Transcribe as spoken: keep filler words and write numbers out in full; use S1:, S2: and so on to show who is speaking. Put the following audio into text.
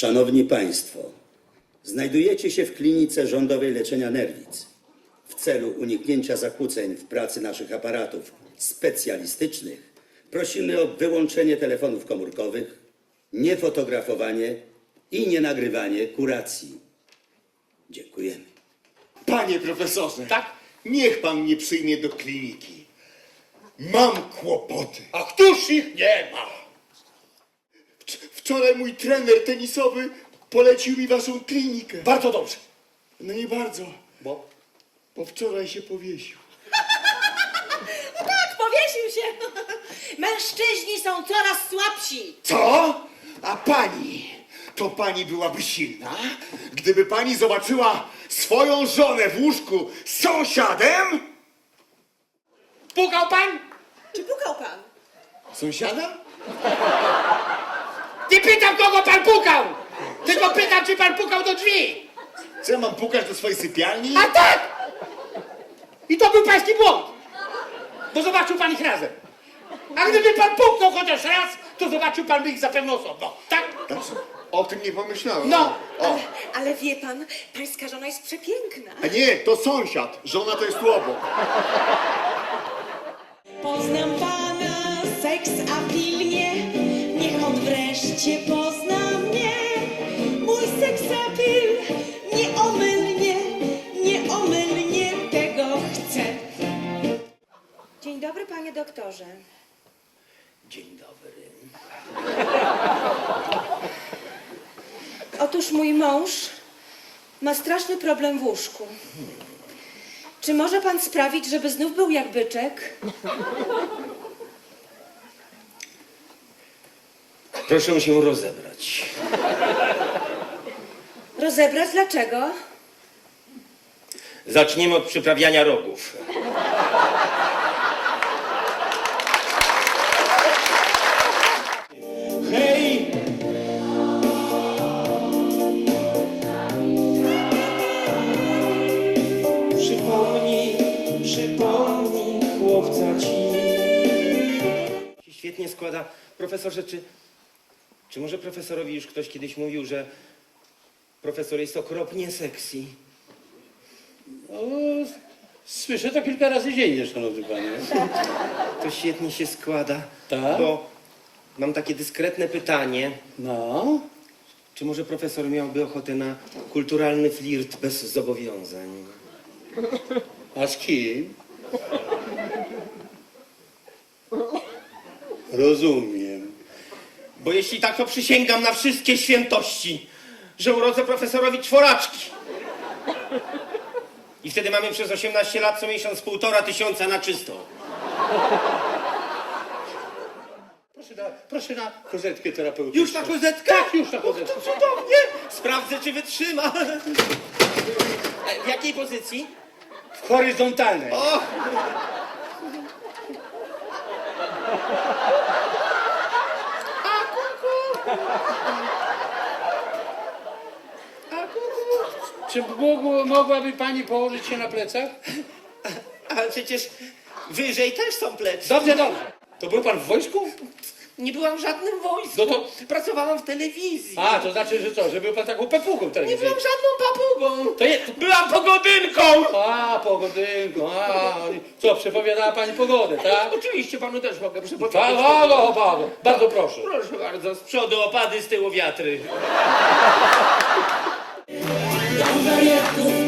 S1: Szanowni Państwo, znajdujecie się w klinice rządowej leczenia nerwic. W celu uniknięcia zakłóceń w pracy naszych aparatów specjalistycznych prosimy o wyłączenie telefonów komórkowych, niefotografowanie i nienagrywanie kuracji. Dziękujemy.
S2: Panie profesorze,
S3: Tak?
S2: niech pan mnie przyjmie do kliniki. Mam kłopoty.
S3: A któż ich nie ma?
S2: Wcz- Wczoraj mój trener tenisowy polecił mi waszą klinikę.
S3: Bardzo dobrze.
S2: No nie bardzo,
S3: Bo?
S2: bo wczoraj się powiesił.
S4: Tak, powiesił się. Mężczyźni są coraz słabsi.
S2: Co? A pani? To pani byłaby silna, gdyby pani zobaczyła swoją żonę w łóżku z sąsiadem?
S3: Pukał pan?
S4: Czy pukał pan?
S2: Sąsiada?
S3: Nie pytam, kogo pan pukał! Tylko pytam, czy pan pukał do drzwi!
S2: Co ja mam pukać do swojej sypialni?
S3: A tak! I to był pański błąd! Bo zobaczył pan ich razem. A gdyby pan puknął chociaż raz, to zobaczył pan by ich zapewne osobno. Tak?
S2: Znaczy, o tym nie pomyślałem.
S3: No.
S2: O.
S4: Ale, ale wie pan, pańska żona jest przepiękna.
S2: A nie, to sąsiad. Żona to jest tu obok.
S5: Poznam pana, seks apilnie, niech on wreszcie pozna mnie. Mój seksapil nieomylnie, nieomylnie tego chce.
S4: Dzień dobry, panie doktorze.
S3: Dzień dobry.
S4: Otóż mój mąż ma straszny problem w łóżku. Czy może pan sprawić, żeby znów był jak byczek?
S6: Proszę się rozebrać.
S4: Rozebrać dlaczego?
S6: Zaczniemy od przyprawiania rogów. Hej! Przypomnij, przypomnij chłopca ci. Się świetnie składa. Profesorze, czy, czy może profesorowi już ktoś kiedyś mówił, że profesor jest okropnie sexy?
S7: No, słyszę to kilka razy dziennie, szanowny panie.
S6: To świetnie się składa.
S7: Tak?
S6: Bo mam takie dyskretne pytanie.
S7: No,
S6: Czy może profesor miałby ochotę na kulturalny flirt bez zobowiązań?
S7: a z kim? Rozumiem.
S6: Bo jeśli tak, to przysięgam na wszystkie świętości, że urodzę profesorowi czworaczki. I wtedy mamy przez osiemnaście lat co miesiąc półtora tysiąca na czysto.
S7: Proszę na, proszę na kozetkę terapeutyczną.
S6: Już na kozetkę?
S7: Tak, już na kozetkę.
S6: To cudownie! Sprawdzę, czy wytrzyma. E, W jakiej pozycji?
S7: W horyzontalnej.
S6: O!
S7: Czy mógł, mogłaby pani położyć się na plecach?
S6: Ale przecież wyżej też są plecy.
S7: Dobrze, dobrze. To był pan w wojsku?
S6: Nie byłam w żadnym wojsku.
S7: No to-
S6: Pracowałam w telewizji.
S7: A, to znaczy, że co, że był pan taką pepugą
S6: Nie
S7: telewizyjną.
S6: byłam żadną papugą.
S7: To je-
S6: Byłam pogodynką.
S7: A, pogodynką, a. Co, przepowiadała pani pogodę, tak?
S6: Oczywiście panu też mogę przypomnieć.
S7: Pago, pago. Bardzo proszę.
S6: Proszę bardzo, z przodu opady, z tyłu wiatry.
S5: Dla wariatów